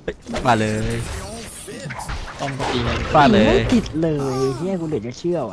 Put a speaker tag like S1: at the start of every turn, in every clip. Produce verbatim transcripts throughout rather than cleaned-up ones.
S1: ฟาดเลย
S2: ต้อมก็ตีเลย
S1: ฟาดเลย
S3: ไม่ติดเลยเฮียกูเหลือจะเชื่อว่ะ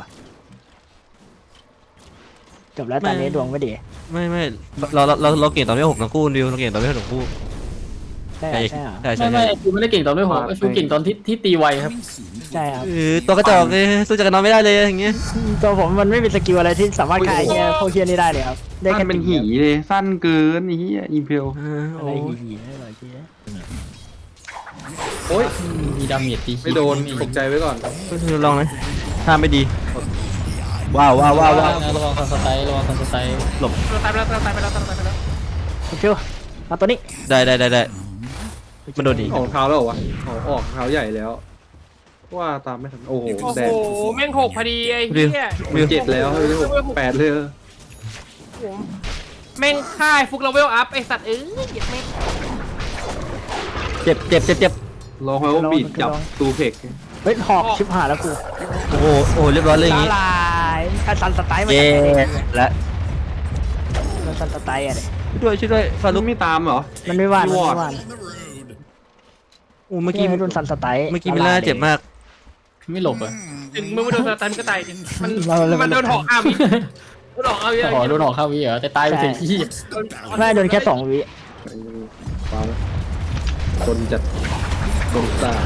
S3: จบแล้วตอนนี้ดวงไม่ดี
S1: ไม่ไม่เราเราเราเราเก่งตอนที่หกทั้งคู่ดิวเราเก่งตอนที่หกทั้งคู่
S3: ใช่เหรอใช่เหรอ
S1: ใช่ใช่
S2: ไม่
S1: ใช่
S2: ไม่ฟิวไม่ได้เก่งตอนด้วยหัวฟิวเก่งตอนที่ที่ตีไวครับ
S3: ใช่ครับ
S1: เออตัวกระจอกเลยสู้จักรนอนไม่ได้เลยอย่างเงี้ย
S3: ตัวผมมันไม่มีสกิลอะไรที่สามารถฆ่าไอ้เฮียพวกเฮียนี่ได้เลยครับได้
S4: สั้
S3: แค่
S4: นเป็นหีเลยสั้นเกินไอ้เหี้ยอีเพล
S1: เออ
S3: อะ
S1: โอ้
S3: ไร
S1: ย
S3: หีๆไม่หรอกเฮีย
S2: โอ้ยมีดาเมจตี
S4: ไม่โดนตกใจไว้ก่อน
S1: ลองนะถ้าไม่ดีว้าวว้าวว้าวว้าว
S2: ระวังซันสไตล์ระวังซันสไตล์
S1: หลบ
S5: เราตายไปแล้วเราตายไปแล้วเราตายไปแล้ว
S3: คุณชิวเอาตัวนี้
S1: ได้ได้ได้ได้มันโดนดี
S4: ออกเท้าแล้วเหรอวะออกออกเท้าใหญ่แล้ว ว่าตามไม่ทันโอ้โห
S5: โอ้
S4: แด
S5: โห
S4: ง
S5: แม่งหกพอดีไอ้เหี้ย
S4: มันเจ็ดแล้วไม่ใช่หกแปดเลย
S5: ผมแม่งฆ่าฟุกเราเวลอัพไอ้สัตว์เอ้ยเหยียดแม่ง
S1: เจ็บเจ็บเจ็บเจ็บ
S4: ลองให้ว่าบีดจับตูเพก
S3: เฮ้ยหอกชิบหายแล้วกู
S1: โอ้โหโอ้โหเรียบร้อยเลยอย่าง
S3: ละ
S1: งี้
S3: ลายถ้าซันสไตล์มัน
S1: เย้และ
S3: มันซันสไตล์อะเด็
S1: ช่วยด้วยช่วยด้วยฟา
S4: ลู
S1: ลุ
S4: ก
S1: ก
S4: ไม่ตามเหรอ
S3: มันไม่ว่านมัน
S4: พี่วอร์ด
S3: ไม่ว่าน
S1: โอ้เมื่อกี้
S3: โดนซันสไตล์
S1: เมื่อกี้มิลล่าเจ็บมาก
S2: ไม่หลบอ่ะ
S5: ถึงมึงไม่โดนสตันก็ตายดิมัน
S3: เราเลย
S5: มันโดนหอกอ้าวิโดนหอกอ้าวิ
S2: อ๋อโดนหอกเข้าวิเหรอแต่ตายไปถึงที่
S3: ไม่โดนแค่สองวิ
S4: ฟังคนจัดคนตา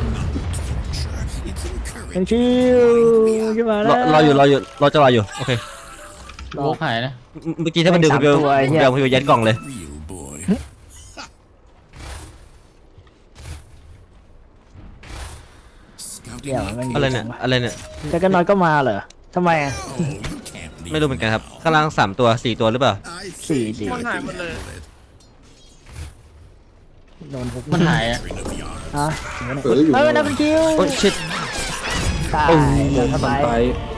S3: ยังชิวขึ้นมาแล้
S1: ร
S3: ว
S1: อรออยู่รออยู่รอจะรออยู่โอเค
S2: โลกหายนะ
S1: เมื่อกี้ถ้ามันดึงคุณเบล
S3: สามตัวไอ้เหี้
S1: คุณ
S3: ย
S1: เบลคุณเบลยัดกล่องเลย
S3: เดี๋ยวมัน
S1: อะไรเนี่ยอะไรเนี่ย
S3: แต่ก็น้อยก็มาเหรอทำไมอ่ะ
S1: ไม่รู้เหมือนกันครับข้างล่างสามตัวสี่ตัวหรือเปล่า
S3: สี่สี่
S5: มันหายหมดเลย
S3: โดนทุก
S2: มันหายอ่ะ
S3: ฮะ
S4: เอออยู่
S3: เฮ้ยนับเป็นคิว
S1: โอ้ยชิด
S3: ตาย
S1: โอ้โห
S3: โดน
S4: ส
S3: เข้าไป
S4: ไป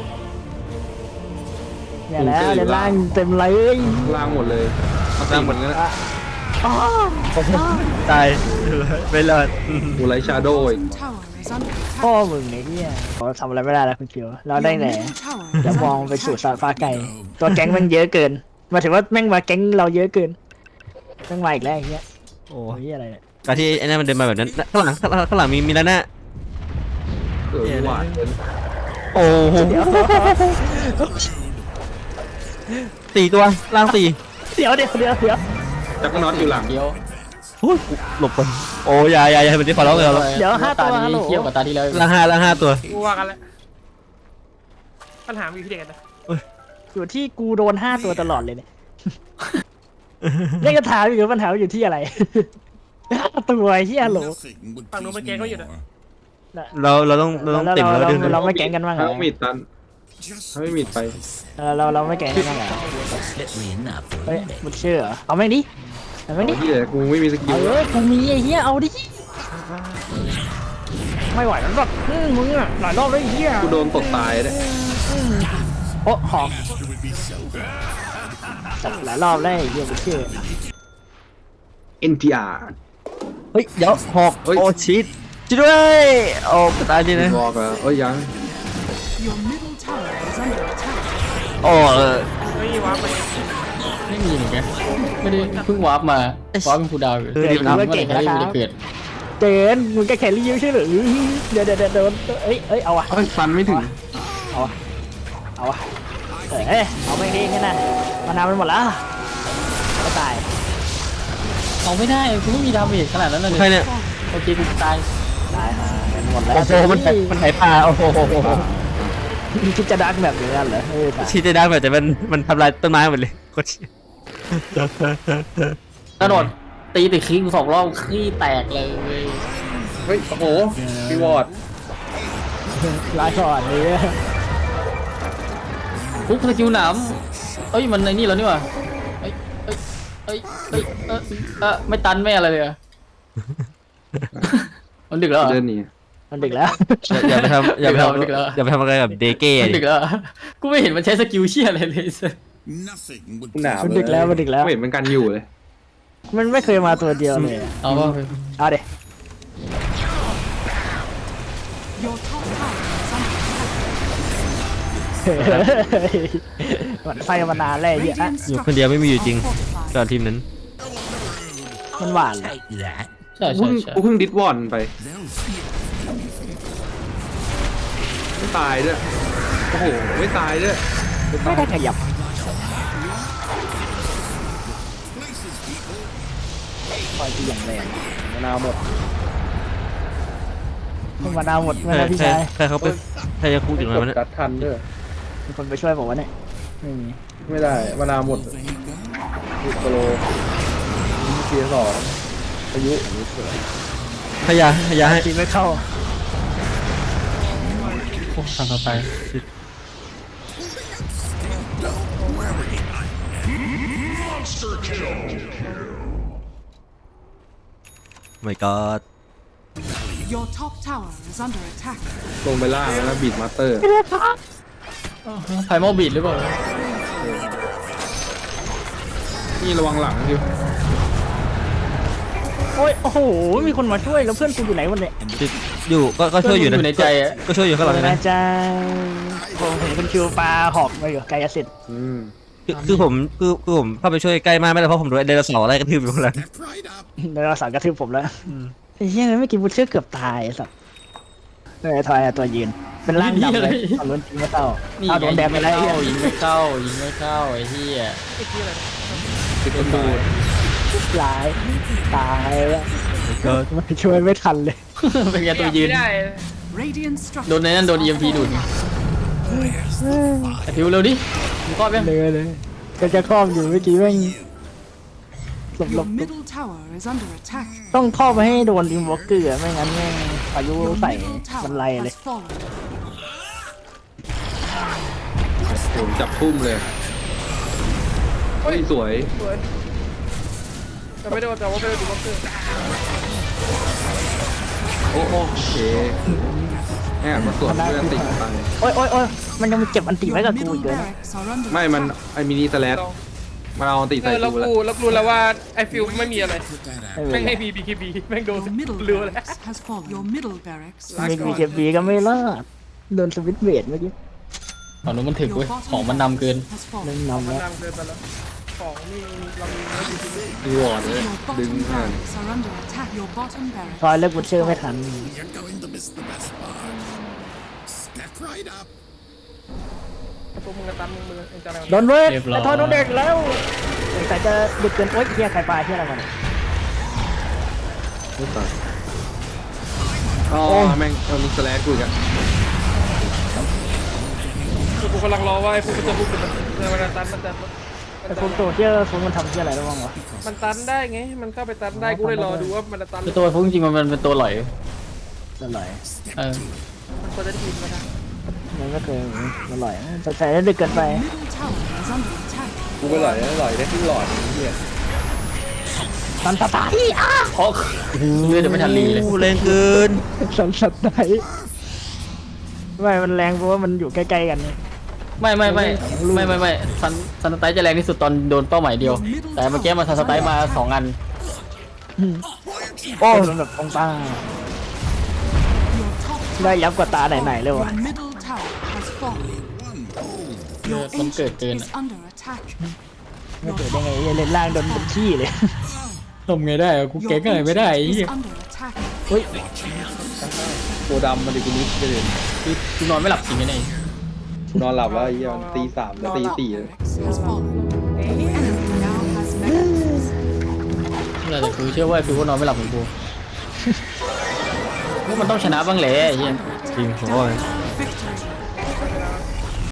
S3: เนี่ยแล้วเดี๋ยวล่างเต็มเลย
S4: ล่างหมดเลยล่างหมดงั้น
S3: อ่ะอ๋อ
S1: ตายไม่รอด
S4: กูไลชาโดอีก
S3: พ่อมึงไอ้เนี่ยเราทำอะไรไม่ได้แล้วคุณคิวเราได้แต่จะมองไปสู่สายฟ้าไกลตัวแก๊งแม่งเยอะเกินหมายถึงว่าแม่งมาแก๊งเราเยอะเกินแม่งมาอีกแล้วไอ้เงี้ย
S1: โอ้
S3: โอ้ยอะไรเนี่ย
S1: การที่ไอ้นั่นมันเดินมาแบบนั้นข้างหลังข้างหลังข้างหลังมีมีแล้วนะ
S4: เออหวานเกิน
S1: โอ้โหสี่ตัวล่างสี่
S3: เดี๋ยวเดี๋ยวเดี๋ยวเดี๋ยว
S4: จักรน็อตอยู่หลัง
S2: เดียว
S1: โอ้ยหลบก่อนโอ้ยายายายมันที่ขอร้องเลยเรา
S3: เดี๋ยวห้า
S2: ตา
S3: ตัวฮัลโหล
S2: นี้เทียบกับตาที่แล้ว
S1: ล่างห้าล่างห้าตัว
S5: กูว่ากันแล้วปัญหามีที่เด็กกันนะ
S3: อยู่ที่กูโดนห้าตัวตลอดเลยเนี่ยนี่ก็ถามอยู่ปัญหาอยู่ที่อะไรห้าตัวไอ้ที่ฮัลโหล
S5: ฝั่งนู้นมันแกก็อยู่นะ
S1: เราเราต้องเราต้อง
S3: เรา
S1: ติ่ม
S3: เรา
S1: แล้ว
S3: เรา
S1: ดึง
S3: เราไม่แก๊งกันบ้างเหร
S4: ถ้า
S3: อ
S4: ไม่มีตันถ้าไม่มีไป
S3: เราเราเราไม่แก๊งกันบ้างเหรอเฮ้ยมึงเชื่อเหรอเอาแม่งดิเอาแม่งดิ
S4: ที่เหลือกูไม่มีสกิ
S3: เอา
S4: ล
S3: เลยกูมีไอ้เหี้ยเอาดิไม่ไหวแล้วหรอกอืมมึงอะหลายรอบแล้วไอ้เหี้ย
S4: กูโดนตกตายเลย
S3: โอ้หอมหลายรอบแล้วไอ้เหี้ยมึงเชื่อ
S4: เอ็นทีอาร์
S1: เฮ้ยเดี๋ยวหอก
S4: เฮ้ย
S1: โอ้ชิดช่วยด้วยโอ้ตายดีนะ
S4: บอกอะเอ้ยยัง
S1: โอ้เออ
S5: เฮ้ยว้าไป
S2: ไม่มีเหมือนกันไม่ได้เพิ่งวาร์ปมาวาร์ปเป็นคูลดาวน์อยู่
S1: เออดีนะ
S2: เมื่อไหร่จะได้ไม่ได้เกิด
S3: เจนมึงก็แครี่ไม่ใช่เหรอเดี๋ยวเดี๋ยวเดี๋ยวโดนเอ้ยเอ้ยเอาอะ
S4: เอ้ยฟันไม่ถึง
S3: เอาอะเอาอะเอ้ยเอาไม่ดีแค่นั้นมานาวมันหมดแล้วก็ตาย
S2: เอาไม่ได้กูไม่มีดาเมจขนาดนั้นเลย
S1: ใครเนี่ย
S2: โอเคกูตาย
S3: ตายหากันหมดแล้ว
S1: โอ้โหมันมันไหปลาโอ้โห
S3: คิดจะดักแบบนี้กันเหรอเออตาย
S1: ชิดได้แบบแต่มันมันทำลายต้นไม้หมดเลยโคตรเชี่ย
S2: กระโดดตีติดคิงสองรอบขี้แตกเลย
S4: เฮ้ยโอ้โหพี่วอร์ด
S3: ลายก่อนเลย
S2: ฟุกสกิลหนามเอ้ยมันในนี่แล้วนี่หว่าเอ้ยเอ้ยเอ้ยเอ้ยเอ้ยเอ้ยไม่ตันไม่อะไรเลยอะมันดึกแล้วเหรอ
S4: เดินหนี
S3: มันดึกแล้ว
S1: อย่าไปทำอย่าไปท
S2: ดึกแล้ว
S1: ำอย่าไปทำอะไรกับเดเก้
S2: มันดึกแล้วกูไม่เห็นมันใช้สกิลเชี่ยอะไรเลย
S4: กูหนาว
S3: มันดึกแล้วมันดึกแล้ว
S4: ไม่เห็นมันกันอยู่เลย
S3: มันไม่เคยมาตัวเดียวเลย
S2: เอาว่า
S3: เอาเดี๋ยมันไฟมานานแล้วไอ้เหี้ยอะ
S1: อยู่คนเดียวไม่มีอยู่จริงตอนทีมนั้น
S3: มันหวานเหรอ
S2: ใช่
S4: กู
S2: ใช่
S4: เพิ่ง
S2: ใช่
S4: กูเพิ่งดิสวอนไปไม่ตายด้วยโอ้โหไม่ตายด้วย
S3: ไม่ได้ขยับคอยที่อย่างแรงมะนาวหมดมะนาวหมดไม่
S1: ใคร
S3: ได้พี่
S1: ใคร
S3: ชาย
S1: ใครเขาไปใครจะคุกอยู่ตรงนั้นวะเนี่ย
S4: ตัดทันด้วย
S3: มีคนไปช่วยบอกว่าเนี่ยไม่มี
S4: ไม่ได้มานาวหมดสิบกิโลเทียร์สองอายุอันนี้สวย
S1: ขยะขยะให้
S3: ตีไม่เข้า
S2: โอ้ทางต่อไป
S1: ไม่ก็
S6: Your top tower is under attack.
S4: ลงไปล่างแล้วนะบีดมาสเตอร์
S2: ไพโมบีดหรือเปล่า
S4: นี่ระวังหลังอยู่
S3: โอ้ยโอ้โหมีคนมาช่วยแล้วเพื่อนกูอยู่ไหนวันเนี่ย
S1: ติดอยู่ก็ก็ช่วยอยู่นะ
S2: อยู่ในใจอะ
S1: ก็ช่วยอยู่ข้างหลัง
S3: นะ
S1: นะ
S3: จ๊ะผมเห็นคุณคิวปลาหอกมาอยู่ไกลอาสิทธิ์
S4: อืม
S1: คือคือผมคือคือผมเข้าไปช่วยใกล้มากไม่ได้เพราะผมโดนไอ้ไดโนเสาร์ไล่กระทืบอยู่ข้างหลัง
S3: แล้วเราสั่งกระทืบผมแล้วไอ้เหี้ยไม่อกินบูเชื่อเกือบตายไอ้สัสเนี่ยทอยอะตัวยืนเป็นร่างดำเลยตอนลุ้นจริงไม่เข้า
S2: นี่
S3: เอาโดนแดงไปแล้วไอ้เหี้ย
S2: ยิงไม่เข้ายิงไม่เข้ายิงไม่เข้าไอ้เหี้ย
S4: ติดประตู
S3: หลายตายแล้ว
S1: ก็
S3: มันช่วยไม่ทันเลย
S2: เป็นไงตัวยืน
S5: ไม่ได้
S6: Radiant
S2: โดนในนั้นโดน อี เอ็ม พี ดูดไอ้พิวเร็วดิมึงครอบยัง
S3: เลยเลยก็จะครอบอยู่เมื่อกี้แม่งหลบหล
S6: Your
S3: บ
S6: middle tower is under attack.
S3: ต้องครอบไปให้โดนอินวอล์กเกอร์ไม่งั้นแม่งพายุ
S6: Your
S3: ใส่
S6: middle
S3: มัน
S6: tower
S3: ไล่เลย
S6: has fallen.
S4: ผมจับทุ่มเลยเฮ้ยสวย
S5: สวยแต่ไม่โดนแต่ว่าไม่โดนดูบล็อกเกอร์
S4: โอ้โอเคแอบมาสวนเพื่อนติดไป
S3: โอ้ยโอ้ยโอ้ยมันยังมีเก็บอันติไว้
S6: Your
S3: กับกู
S6: middle
S3: อีกเลยนะ
S6: barracks are under
S4: ไม่มัน
S6: attack.
S4: ไอมินิสแลชมาเอาติด
S5: เอ
S4: ใส่
S5: อแล้ว
S4: กูแล้ว
S5: กูแล้วกูรู้แล้วว่าไอฟิลไม่มีอะไร
S3: ไม่เป็นไร
S5: แม่งให้บีบีคีบีแม่งโดน
S6: Your middle
S5: เรือแล้ว
S6: barracks has fallen. Your middle barracks
S3: มี
S6: has
S3: มีเค
S6: fallen.
S3: บีก็ไม่รอดโดนสวิตช์เวทเมื่อกี้
S2: ฝั่งนู้นมันถึก
S6: Your
S2: เว้ย
S6: bottom
S2: ของมันนำเกิน
S6: has
S3: เล่น
S6: fallen.
S3: นำ
S5: มัน
S3: แล้ว
S5: นั่งเดินไปแล้วของนี่เรามีไม่ดีที่
S4: รีวอร์ดเลย
S6: Your
S4: ดึง
S6: bottom
S4: ผ่าน
S6: barracks are under attack. Your bottom
S3: ทอย
S6: barracks.
S3: เลิกบูเชอร์ไม่ทัน
S5: พวกมึงกระตันมึงมึงเองจะอะไร
S3: โดนเวท
S2: เรียบร้อย
S3: ไอ้ทอยโดนเด็กแล้วแต่จะดึกเกินโอ๊ยเฮียใครปลาเฮียอะไรมาเนี่ย
S4: ไม่ตายอ๋อแม่งเอามิสแลชกูอีกอะ
S5: คือกูกำลังรอว่าไอ้พวกมันจะพูดกันมันตันมันจะ
S3: ไอ้พวกตัวเฮียพวกมันทำเฮียอะไรได้บ้างวะ
S5: มันตันได้ไงมันเข้าไปตันได้กูเลยรอดูว่ามันจะตัน
S2: คือตัวพวกจริงๆมันเป็นตัวหลอย
S3: อร่อย
S2: เออ
S5: มันควรจะทีมกันนะ
S3: มันไม่เคยอร่อยแต่ใส่ได้ดึกเกินไป
S6: Middle tower is under attack.
S4: กูไปหล่อยหล่อยได้ที่หลอดเฮีย
S3: สันสไตล์อ่ะ
S2: โอ้เลือดจะไม่ทันรีเลย
S1: โอ้แรงเกิน
S3: สันสไตล์ไม่มันแรงเพราะว่ามันอยู่ใกล้ๆกันนี่
S2: ไม่ไม่ไม่ไม่ไม่ไม่ซันซันสไตล์จะแรงที่สุดตอนโดนเป้าหมายเดียว แต่เมื่อกี้มันซันสไตล์มาสองอัน
S3: โอ้มันแบบตรงตา
S6: Your top
S3: ได้ยับกว่าตาไหนๆเลย
S6: Your
S3: วะ
S6: middle tower has fallen.
S2: เลือ
S6: Your
S2: ดมันเกิด
S6: ancient
S2: เกิน
S6: is under attack.
S3: ไม่เกิดได้ไงเล่นล่างโดนเป็นขี้เลย
S2: ทำไงได้กู
S6: Your
S2: เก่งอะไรไม่ได้
S6: ancient
S2: ไอ้
S6: is
S2: เหี้ย
S6: under attack.
S3: เฮ้ย
S4: ตัวดำมันดิกูนิสไปเลย
S2: คือกูนอนไม่หลับจริงไงเนี่ย
S4: นอนหลับแล้วไอ้เฮียมันตีสามแล้วตีสี่เลย
S6: Barracks has fallen. Enemy now has mechanisms.
S2: แต่กูเชื่อว่ากูก็นอนไม่หลับเหมือนกูพวกมันต้องชนะบ้างแหละไอ้เหี้ย
S1: จริงโอ้ย
S6: Victory.